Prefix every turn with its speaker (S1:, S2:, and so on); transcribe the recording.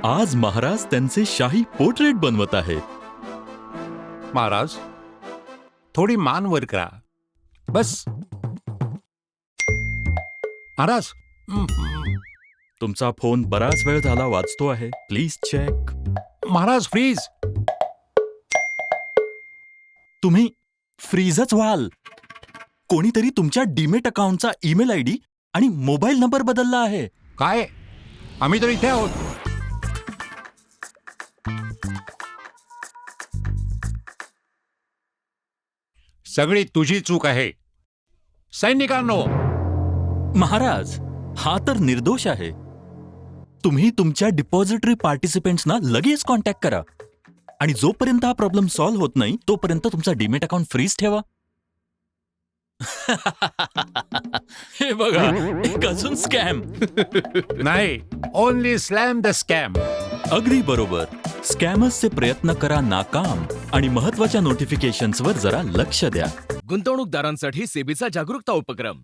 S1: आज महाराज त्यांचे शाही पोर्ट्रेट बनवत आहेत.
S2: महाराज, थोडी मान वर करा. बस. महाराज.
S1: तुमचा फोन बराच वेळ झाला वाजतो आहे. Please check.
S2: महाराज, फ्रीज.
S1: तुम्ही फ्रीजच व्हाल. कोणीतरी तुमच्या डीमेट अकाउंटचा ईमेल आयडी आणि मोबाईल नंबर बदलला आहे.
S2: काय? आम्ही तर इथे आहोत. सगळी तुझी चूक आहे. सैनिकांनो,
S1: महाराज, हा तर निर्दोष आहे. तुम्ही तुमच्या डिपॉझिटरी पार्टिसिपेंट्सना लगेच कॉन्टॅक्ट करा आणि जोपर्यंत हा प्रॉब्लेम सॉल्व्ह होत नाही तोपर्यंत तुमचा डीमेट अकाउंट फ्रीज ठेवा. हे बघा, एक अजून स्कॅम.
S2: नाही, ओनली स्लॅम द स्कॅम.
S1: अगदी बरोबर. स्कॅमर्सचे प्रयत्न करा नाकाम आणि महत्वाच्या नोटिफिकेशन्सवर जरा लक्ष द्या.
S3: गुंतवणूकदारांसाठी सेबीचा जागरूकता उपक्रम.